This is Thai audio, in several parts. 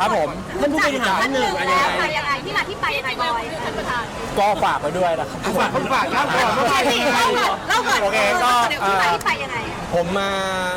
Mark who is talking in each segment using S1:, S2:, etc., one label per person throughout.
S1: ครับผม
S2: ท่านผู้บริหาร
S3: ท่านหนึ่ง
S2: อะไร
S3: แล้ว
S2: ยังไง
S3: ไปยังไงที่มาที่ไปยังไงบอย
S1: ก็ฝากไว้ด้วยนะครับ
S2: ฝากเล่าก่อน
S3: โอเคสิเล่าก่อน
S1: โอเคก็
S3: เดี๋ยวที่มาที่ไปยังไง
S1: ผมมา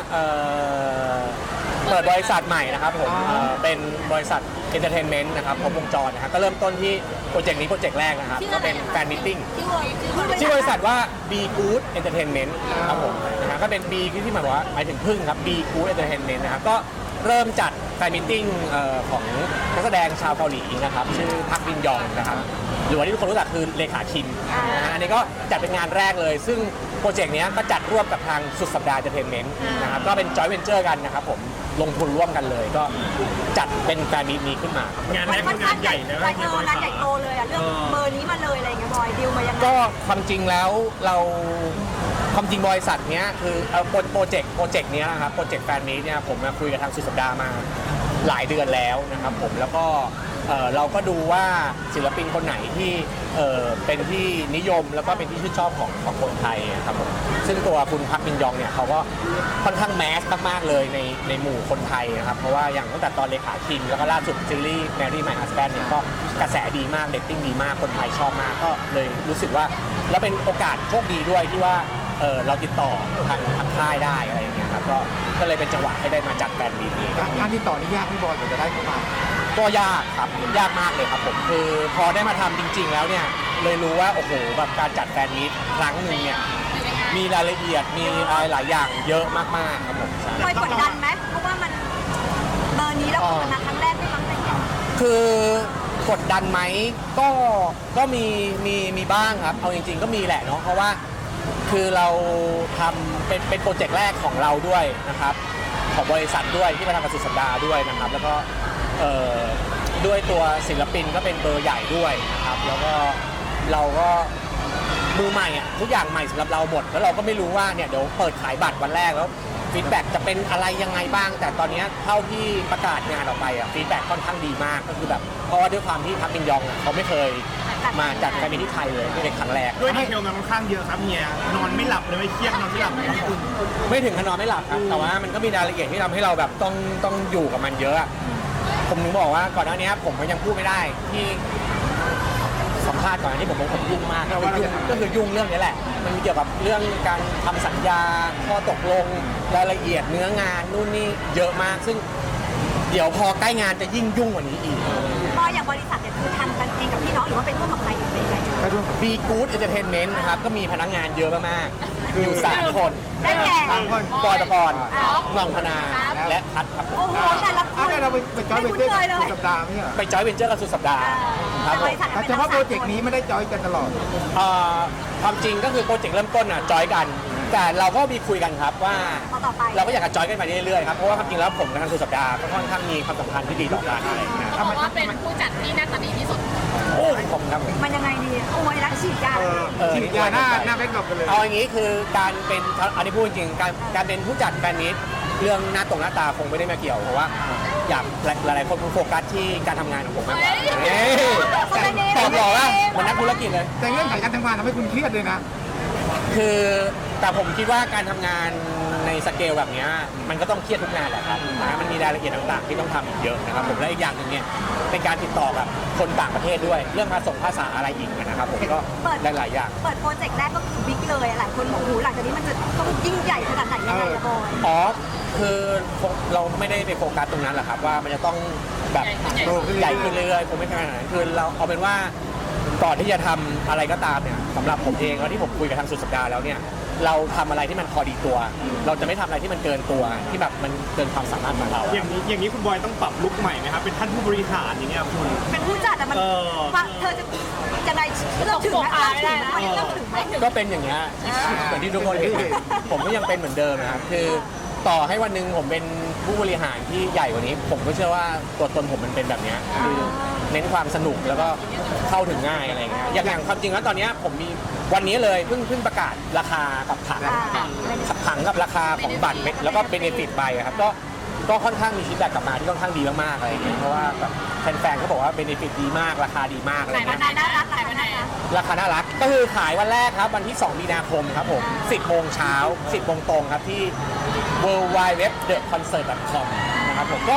S1: เปิดบริษัทใหม่นะครับผมเป็นบริษัทเอนเตอร์เทนเมนต์นะครับครบวงจรนะครับก็เริ่มต้นที่โปรเจกต์นี้โปรเจกต์แรกนะครับก็เป็นแฟนมิทติ้งชื่อบริษัทว่า Be Good Entertainment ครับผมนะฮะก็เป็น B ที่หมายว่าหมายถึงพึ่งครับ Be Good Entertainment นะครับก็เริ่มจัดแฟนมิทติ้งของนักแสดงชาวเกาหลีนะครับชื่อพักบินยองนะครับหรือว่าที่ทุกคนรู้จักคือเลขาคิมนะฮะอันนี้ก็จัดเป็นงานแรกเลยซึ่งโปรเจกต์นี้ก็จัดร่วมกับทางสุดสัปดาห์เอนเตอร์เทนเมนต์นะครับก็เป็นจอยเวนเจอร์กันนะครับผมลงทุนร่วมกันเลยก็จัดเป็นแฟนมิตนี้ขึ้นมา
S2: งานแรกคืองานใหญ่นะ
S3: งานใหญ่โตเลยอ่ะเรื่องเบอร์นี้มาเลยอะไรเงี้ยบอยดิวมายังไง
S1: ก็ความจริงแล้วเราความจริงบริษัทเนี้ยคือโปรเจกต์เนี้ยนะครับโปรเจกต์แฟนมิตเนี่ยผมมาคุยกับทางสุดสัปดาห์มาหลายเดือนแล้วนะครับผมแล้วก็เราก็ดูว่าศิลปินคนไหนที่เป็นที่นิยมแล้วก็เป็นที่ชื่นชอบของคนไทยครับผมซึ่งตัวคุณพักมินยองเนี่ยเขาก็ค่อนข้างแมสมากๆเลยในหมู่คนไทยนะครับเพราะว่าอย่างตั้งแต่ตอนเลขาคิมแล้วก็ล่าสุดซีรีส์ Marry My Husband เนี่ยก็กระแสดีมากเรตติ้งดีมากคนไทยชอบมากก็เลยรู้สึกว่าแล้วเป็นโอกาสโชคดีด้วยที่ว่าเราติดต่อทางค่ายได้อะไรอย่างเงี้ยครับก็เลยเป็นจังหวะให้ได้มาจัดแฟนมีตนี้
S2: การติดต่อนี่ยากพี่บอยกว่าจะได้เข้ามา
S1: ก็ยากครับยากมากเลยครับผมคือพอได้มาทำจริง ๆ แล้วเนี่ยเลยรู้ว่าโอ้โหแบบการจัดแฟนมีตครั้งหนึ่งเนี่ยมีรายละเอียดมีอะไรหลายอย่างเยอะมากๆครับผมใช่
S3: บอยกดดันไหมเพราะว่ามันเบอร์นี้แล้วคนมาครั้งแรกไม่มั้งอะไรเงี้ย
S1: คือกดดันไหมก็มีบ้างครับเอาจริงๆก็มีแหละเนาะเพราะว่าคือเราทำเป็นโปรเจกต์แรกของเราด้วยนะครับของบริษัทด้วยที่มาทำกับสุดสัปดาห์ด้วยนะครับแล้วก็ด้วยตัวศิลปินก็เป็นเบอร์ใหญ่ด้วยนะครับแล้วก็เราก็มือใหม่อ่ะทุกอย่างใหม่สำหรับเราหมดแล้วเราก็ไม่รู้ว่าเนี่ยเดี๋ยวเปิดขายบัตรวันแรกแล้วฟีดแบ็กจะเป็นอะไรยังไงบ้างแต่ตอนนี้เท่าที่ประกาศงานออกไปอ่ะฟีดแบ็กค่อนข้างดีมากก็คือแบบเพราะว่าด้วยความที่พักมินยองเขาไม่เคยมาจัดแฟนมิตที่ไทยเลยนี่เป็นครั้งแรก
S2: ด้วยดีเทลมันค่อนข้างเยอะครับเฮียนอนไม่หลับเลยไม่เครียดนอนไม่หลับเลยพี่คุณ
S1: ไม่ถึงขนอนไม่หลับครับแต่ว่ามันก็มีรายละเอียดที่ทำให้เราแบบต้องอยู่กับมันเยอะอะผมถึงบอกว่าก่อนหน้านี้ผมก็ยังพูดไม่ได้ที่สัมภาษณ์ก่อนหน้านี้ผมยุ่งมากก็คือยุ่งเรื่องนี้แหละมันเกี่ยวกับเรื่องการทำสัญญาข้อตกลงรายละเอียดเนื้องานนู่นนี่เยอะมากซึ่งเดี๋ยวพอใกล้งานจะยิ่งยุ่งกว่านี้อีก
S3: บอยอย่างบริษัทเนี่ยคือทำกันเองกับพี่น้องหรือว่าเป็นร่วมกับใครอยู่เป็นไง
S1: Be Good Entertainment นะครับก็มีพนักงานเยอะมากๆอยู่3 คน
S3: ได้แก่
S1: บอยตะกรน้องพนาและพัดครับ
S3: โอ้โหแต่ละคน
S2: เราไปจอย
S3: ไม่
S2: เป็น
S3: คุ้น
S2: เจ้า
S3: เคยเลย
S2: สัปดาห์ไม่ใช่เหรอ
S1: ไปจอยเวนเจอร์กับสุดสัปดาห์ครับผม
S2: แต่เฉพาะโปรเจกต์นี้ไม่ได้จอยกันตลอด
S1: ความจริงก็คือโปรเจกต์เริ่มต้นจอยกัน แต่เราก็มีคุยกันครับว่า
S3: ต่อไป
S1: เราก็อยากจะจอยกันไปเรื่อยๆครับเพราะว่าความจริงแล้วผมกับทางสุดสัปดาห์ก็ค่อนข้างมีความสัมพันธ์ที่ดีต่อกันอะไรอย่างเงี้ย
S4: เพราะว่าเป็นผู้จัดที่น่าจะดีที่สุด
S1: โอ้ผมครับ
S3: มันยังไงดีโอ้ยรักฉีดยา
S2: ฉีดยาหน้าแบงก์กลับกันเลย
S1: เอาอย่างนี้คือการเป็นอันนี้พูดจริงๆการเป็นผู้จัดแฟนมิตเรื่องหน้าตาคงไม่ได้มาเกี่ยวเพราะว่าอยากหลายๆคนโฟกัสที่การทำงานของผมมากกว่าตอบหล่อว่าเหมือนนักธุรกิจเลย
S2: แต่เรื่องของการทำงานทำให้คุณเครียดเลยนะ
S1: คือแต่ผมคิดว่าการทำงานในสเกลแบบนี้มันก็ต้องเครียดทุกงานแหละครับนะมันมีรายละเอียดต่างๆที่ต้องทำอีกเยอะนะครับผมและอีกอย่างหนึ่งเนี่ยเป็นการติดต่อกับคนต่างประเทศด้วยเรื่องภาษาอะไรอีกนะครับผมก็หลายๆอย่าง
S3: เปิดโปรเจกต์แรกก็คือบิ๊กเลยหลายคนบอกโอ้โหหลังจากนี้มันจะต้องยิ่งใหญ่ขนาดไหนยังไงอะบอย
S1: อ๋อคือเราไม่ได้ไปโฟกัสตรงนั้นหรอกครับว่ามันจะต้องแบบใหญ่ขึ้นเรื่อยๆคงไม่ขนาดนั้นคือเราเอาเป็นว่าก่อนที่จะทำอะไรก็ตามเนี่ยสำหรับผมเองแล้วที่ผมคุยกับทางสุดสัปดาห์แล้วเนี่ยเราทำอะไรที่มันพอดีตัว เราจะไม่ทำอะไรที่มันเกินตัวที่แบบมันเกินความสามารถของเรา
S5: อย่างนี้คุณบอยต้องปรับลุคใหม่ไหมครับเป็นท่านผู้บริหารอย่างเงี้ยคุณ
S3: เป็นผู้จัดอะมันฟังเธอจะไงเลือกถึงไหมเลือกถึงไหม
S1: ก็เป็นอย่างเงี้ยเหมือนที่ทุกคนเห็นผมก็ยังเป็นเหมือนเดิมนะครับคือต่อให้วันหนึ่งผมเป็นผู้บริหารที่ใหญ่กว่านี้ ผมก็เชื่อว่าตัวตนผมมันเป็นแบบเนี้ยคือเน้นความสนุกแล้วก็เข้าถึงง่ายอะไรเงี้ยอย่างความจริงแล้วตอนนี้ผมมีวันนี้เลยเพิ่งประกาศราคากับผังกับราคาของบัตรแล้วก็เบเนฟิตไปครับก็ค่อนข้างมีฟีดแบ็กกลับมาที่ค่อนข้างดีมากๆอะไรอย่างเงี้ยเพราะว่าแบบแฟนๆเขาบอกว่าเบเนฟิตดีมากราคาดีมากอะไร
S3: รา
S1: เงี้ย
S3: คาน่ารักราคาน่ารัก
S1: ราคาน่ารักก็คือขายวันแรกครับวันที่ 2 มีนาคมครับผม 10 โมงเช้า 10 โมงตรงครับที่ worldwideweb.theconcert.com นะครับผมก็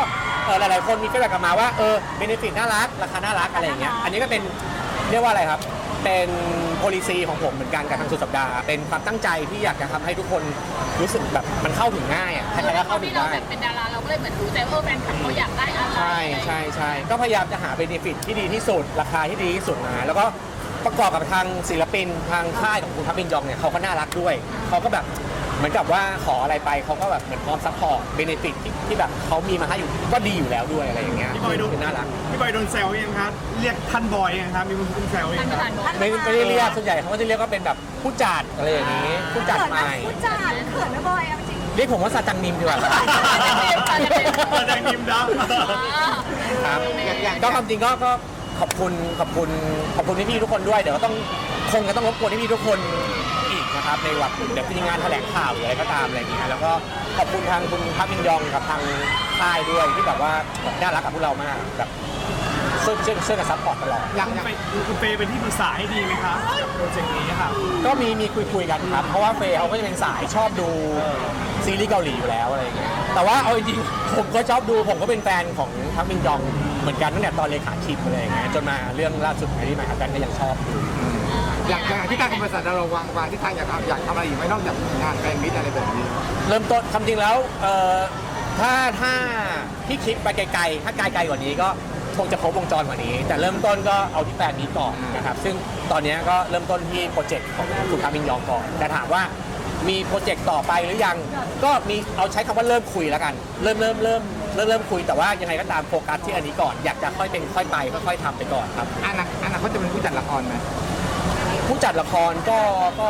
S1: หลายๆคนมีฟีดแบ็กกลับมาว่าเบเนฟิตน่ารักราคาน่ารักอะไรอย่างเงี้ยอันนี้ก็เป็นเรียกว่าอะไรครับเป็น policy ของผมเหมือนกันกับทางสุดสัปดาห์เป็นความตั้งใจที่อยากจะทำให้ทุกคนรู้สึกแบบมันเข้าถึงง่ายอ่ะใครๆก็เข้าถึง
S4: ที่เรา
S1: ได้
S4: แบบเป็นดาราเราก็เลยเหมือนรู้ใจว่าแฟนคลับเขาอยากได้อะไร
S1: ใช่ก็พยายามจะหาเบเนฟิตที่ดีที่สุดราคาที่ดีที่สุดมาแล้วก็ประกอบกับทางศิลปินทางค่ายของคุณพับบินยองเนี่ยเขาก็น่ารักด้วยเขาก็แบบเหมือนกับว่าขออะไรไปเขาก็แบบเหมือนพร้อมซัพพอร์ตเบเนฟิตที่แบบเขามีมาให้อยู่ก็ดีอยู่แล้วด้วยอะไรอย่างเงี้ย
S2: พี่บอยโดน
S1: คือน่ารัก
S2: พี่บอยโดนแซวยังครับเรียกท่านบอยยังครับมีคนแซวยั
S4: ท่าน
S2: ง
S4: ประ
S2: ค
S4: ธา
S2: รั
S4: น
S2: บ
S4: บอก
S1: ไม่ได้เรียกส่วนใหญ่เขาก็จะเรียกว่าเป็นแบบผู้จัดอะไรอย่างนี้ผู้จัด
S3: เขิน
S1: ให
S3: ไหม
S1: ม่
S3: ผู้จัดเขินไหมบอยเอาจริง
S1: เรียกผมว่าซาจังนิมดีกว่าครับ
S2: แดงนิมดับ
S1: ครับก็ความจริงก็ขอบคุณพี่ๆทุกคนด้วยเดี๋ยวก็ต้องคงจะต้องรบกวนพี่ๆทุกคนอีกนะครับในวันเดี๋ยวมีงานแถลงข่าวหรืออะไรก็ตามอะไรอย่างเงี้ยแล้วก็ขอบคุณทางคุณพักมินยองกับทางค่ายด้วยที่แบบว่าแบบน่ารักกับพวกเรามากแบบช่วยกันซัพพอร์ตตลอด
S2: คุณเฟย์เป็นที่ปรึกษาให้ดีไหมครับกับโปรเจกต์นี้ครับ
S1: ก็มีคุยกันครับเพราะว่าเฟย์เขาก็จะเป็นสายชอบดูซีรีส์เกาหลีอยู่แล้วอะไรอย่างเงี้ยแต่ว่าเอาจริงๆผมก็ชอบดูผมก็เป็นแฟนของพักมินยองเหมือนกันตั้งแต่ตอนเลขาชิมอะไรอย่างเงี้ยจนมาเรื่องล่าสุดในที่ใหม่ครับกันก็ยังชอบดู
S6: อย่างที่การคอมเมอร์สเราวางที่ทางอยากทำอะไรอีกไหมนอกจากงานแฟนมิตอะไรแบบนี้
S1: เริ่มต้นคำจริงแล้วถ้าที่คิดไปไกลๆถ้าไกลๆกว่านี้ก็คงจะครบวงจรกว่านี้ แต่เริ่มต้นก็เอาที่แฟนนี้ก่อนนะครับซึ่งตอนนี้ก็เริ่มต้นที่โปรเจกต์ของคุณคามินยองก่อนแต่ถามว่ามีโปรเจกต์ต่อไปหรือยังก็มีเอาใช้คำว่าเริ่มคุยแล้วกันเริ่มคุยแต่ว่ายังไงก็ตามโฟกัสที่อันนี้ก่อนอยากจะค่อยเป็นค่อยไปค่อยๆทำไปก่อนครับ
S6: อนาคตจะเป็นผู้จัดละครไหม
S1: ผู้จัดละครก็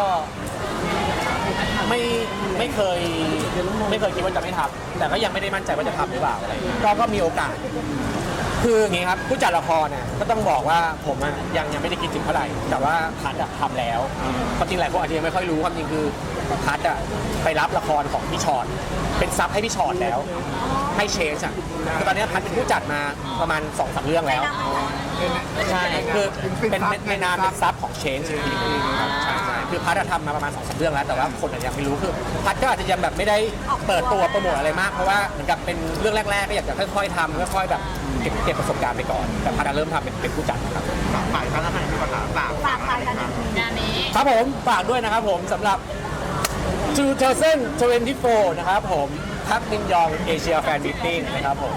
S1: ไม่เคยคิดว่าจะไม่ทำแต่ก็ยังไม่ได้มั่นใจว่าจะทำหรือเปล่าอะไรอย่างเงี้ยก็มีโอกาส คืออย่างงี้ครับผู้จัดละครเนี่ยก็ต้องบอกว่าผมอะยังไม่ได้คิดถึงเท่าไหร่แต่ว่าพัดอะทำแล้วความจริงหลายคนอาจจะยังไม่ค่อยรู้ความจริงคือพัดอะไปรับละครของพี่ชอนเป็นซับให้พี่ชอนแล้วให้เชนอะคือตอนนี้พัดเป็นผู้จัดมาประมาณ 2-3 เรื่องแล้วใช่คือเป็นในนามเป็นซับของเชนจริงๆครับใช่คือพัดอะทำมาประมาณ 2-3 เรื่องแล้วแต่ว่าคนอาจจะยังไม่รู้คือพัดก็อาจจะยังแบบไม่ได้เปิดตัวโปรโมทอะไรมากเพราะว่าเหมือนกับเป็นเรื่องแรกๆก็อยากจะค่อยๆทำค่อยๆแบบเก็บประสบการณ์ไปก่อนแต่พัดเริ่มทำเป็นผู้จัดครับ
S6: ฝ่ายพนักงานที่ปัญหาต่าง
S3: ฝากไปกัน
S4: งานนี้
S1: ครับผมฝากด้วยนะครับผมสำหรับ 2024 นะครับผมพักมินยองเอเชียแฟนมิทติ้งนะครับผม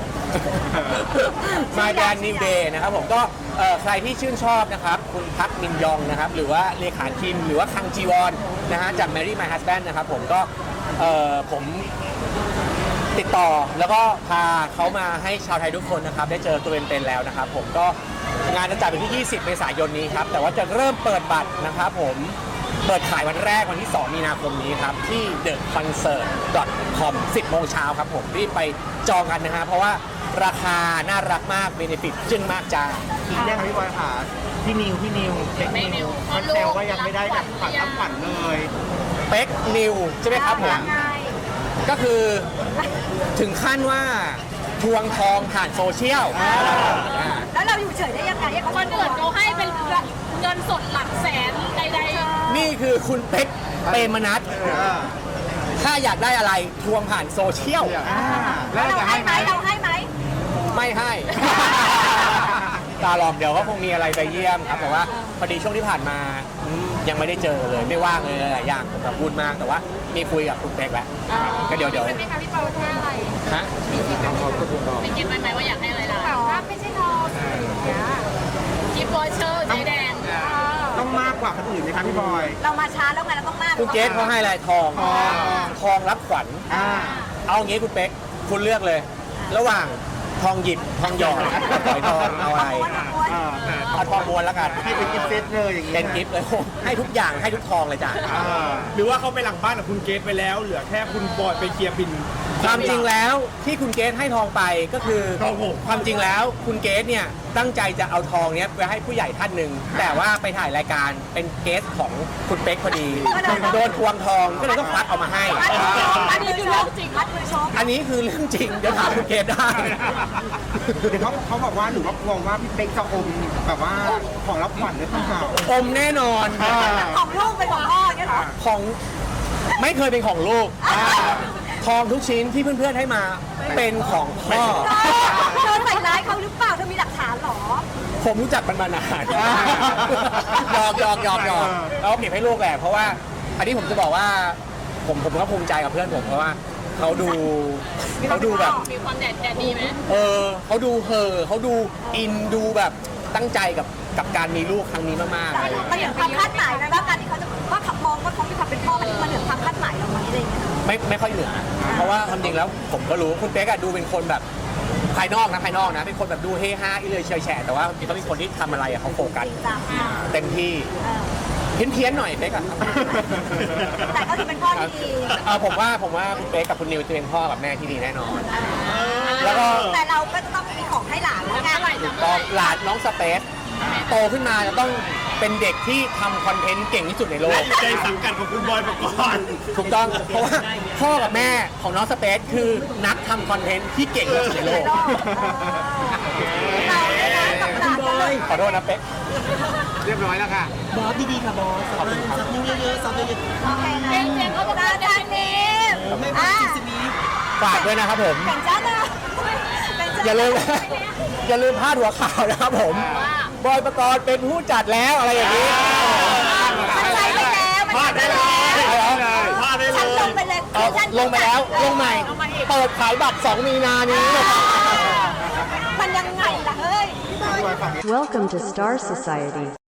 S1: My Brand New Day นะครับผมก็ใครที่ชื่นชอบนะครับคุณพักมินยองนะครับหรือว่าเลขาคิมหรือว่าคังจีวอนนะฮะจาก Marry My Husband นะครับผมก็ผมติดต่อแล้วก็พาเขามาให้ชาวไทยทุกคนนะครับได้เจอตัวเป็นๆแล้วนะครับผมก็งานจะจัดเป็นที่ 20 เมษายนนี้ครับแต่ว่าจะเริ่มเปิดบัตรนะครับผมเปิดขายวันแรกวันที่ 2 มีนาคมนี้ครับที่ theconcert.com 10 โมงเช้าครับผมรีบไปจองกันนะฮะเพราะว่าราคาน่ารักมากเบเนฟิตจึ้งมากจ้า
S6: อีกเรื่องพี่บอยค่ะพี่นิวเช็คนิวมันแซวว่ายังไม่ได้แบบฝันรับฝันเลย
S1: เป็กนิวใช่ไหมครับผม
S3: ยังไง
S1: ก็คือถึงขั้นว่าทวงทองผ่านโซเชียล
S3: แล้วเราอยู่เฉยได้ยังไง
S4: คนอื่นเขาให้เป็นเงินสดหลักแสนใด
S1: นี่คือคุณเป็กเปรมนัทถ้าอยากได้อะไรทวงผ่านโซเชียล
S3: แล้วเราให้ไหมเราให้ไหม
S1: ไม่ให้ ตาหลอมเดี๋ยวก็คงมีอะไรไปเยี่ยมครับแต่ว่าพอดีช่วงที่ผ่านมายังไม่ได้เจอเลยไม่ว่างเลยหลายอย่างผมแบบวุ่นมากแต่ว่ามีคุยกับคุณเป็กแล้วก็เดี๋ยว
S4: ๆเป็นไหมคะพี่เปาแค่อะไร
S1: ฮะ
S4: เป็นเก็บไว้ไหมว่าอยากให้อะไรล่ะ
S3: ถ้าไม่ใช่ทองอย่างเงี้ย
S4: กิฟต์วอเชอร์สีแดง
S6: ต้องมากกว่าคนอื่นไหมครับพี่บอย
S3: เรามาช้าแล้วไงเราต้องมาก
S1: คุณเกสเขาให้อะไรทองรับขวัญเอางี้คุณเป็กคุณเลือกเลย ระหว่างทองหยิบทองหยอดกับฝอยทองเอาอะไรเอาทองม้วนแล้วกัน
S6: ให้เป็นกิฟต์เซตเลยอย่างนี้
S1: เป็นกิฟต์เลยให้ทุกอย่างให้ทุกทองเลยจ้ะ
S2: หรือว่าเขาไปหลังบ้านกับคุณเกตไปแล้ว เหลือแค่คุณบอยไปเคลียร์บิน
S1: ความจริงแล้วที่คุณเกสให้ทองไปก็คือ
S2: ครับผม
S1: ความจริงแล้วคุณเกสเนี่ยตั้งใจจะเอาทองเนี้ยไปให้ผู้ใหญ่ท่านหนึ่งแต่ว่าไปถ่ายรายการเป็นเกสของคุณเป๊กพอดีโดนทวงทองก็เลยต้องควักเอามาให้
S3: อันนี้คือเรื่องจริงมัดมือชก
S1: อันนี้คือเรื่องจริงเดี๋ยวถามคุณเกสได้
S6: เดี๋ยวเขาบอกว่าหรือว่ากลัวว่าพี่เป๊กจะอมแบบว่าของรับขวัญด้วยเปล่า
S1: อมแน่นอน
S3: ของลูกเป็นของพ่ออย่างเงี้ยเหรอ
S1: ของไม่เคยเป็นของลูกทองทุกชิ้นที่เพื่อนๆให้มาเป็นของพ่อ
S3: เธอใส่ร้ายเขาหรือเปล่าเธอมีหลักฐานเหรอ
S1: ผมรู้จักมันมานานหยอกแล้วเก็บให้ลูกแหละเพราะว่าอันนี้ผมจะบอกว่าผมก็ภูมิใจกับเพื่อนผมเพราะว่าเขาดูแบบ
S4: มีความแดดดีไหม
S1: เขาดูเขาดูอินดูแบบตั้งใจกับการมีลูกครั้งนี้มากๆอะไรอย่าง
S3: มัน
S1: เงี้ย
S3: เหนือความคาดหมายไหมว่าการที่เขาจะว่าขับมองว่าเขามีความเป็นพ่อมันเหนือความคาดหมายเราไหมอะไรอย่างเงี้ย
S1: ไม่ค่อยเหนือเพราะว่าความจริงแล้วผมก็รู้คุณเป๊กอะดูเป็นคนแบบภายนอกนะเป็นคนแบบดูเฮฮาอิเลยเฉยแฉะแต่ว่าจริงๆเขาเป็นคนที่ทำอะไรอะเขาโฟกัส
S3: จริงจัง
S1: เต็มที่เพี้ยนๆหน่อยเป๊กอะ
S3: แต่ก็ถือเป็นพ่อที่ดี
S1: ผมว่าคุณเป๊กกับคุณนิวจะเป็นพ่อกับแม่ที่ดีแน่นอน แล้วก็
S3: แต่เราก็จะต้องมีของให้หลานแล้วไง
S1: ตอนหลานน้องสเปซโตขึ้นมาจะต้องเป็นเด็กที่ทำคอนเทนต์เก่งที่สุดในโล
S5: และ
S1: ก
S5: อยู่ในสังกัดของคุณบอยปกรณ์
S1: ถูกต้องเพราะว่าพ่อกับแม่ของน้องสเปซคือนักทำคอนเทนต์ที่เก่งที่สุดในโลก
S3: เราเนี่ยนะกับหลานกันเลย
S1: ขอโทษนะเป๊ก
S6: เรียบร้อยแล้วค่ะ
S7: บอสดีๆค่ะบอส
S1: ขอบคุณครับ
S7: ซับนิ้วเยอะๆซับเยอะ
S3: โอเคนะ
S4: เจนเขาบอกว่า
S3: จานนี้
S7: ๆไม่พอสิบนี้
S1: ฝากด้วยนะครับผม
S3: แข่งจ้านะเป็นจ้า
S1: อย่าลืมอย่าลืมพลาดหัวข่าวนะครับผม บอยปกรณ์เป็นผู้จัดแล้วอะไรอย่างนี้
S3: มันใช้ไปแล้วมันใช้ไปแล้ว
S5: พลาดได้เล
S3: ฉันล
S5: ย
S3: งไปเลย
S1: ลงไปแล้วลงใหม่ เปิดขายบัตร 2 มีนานี้
S3: มันยังไงล่ะเฮ้ย
S8: Welcome to Star Society.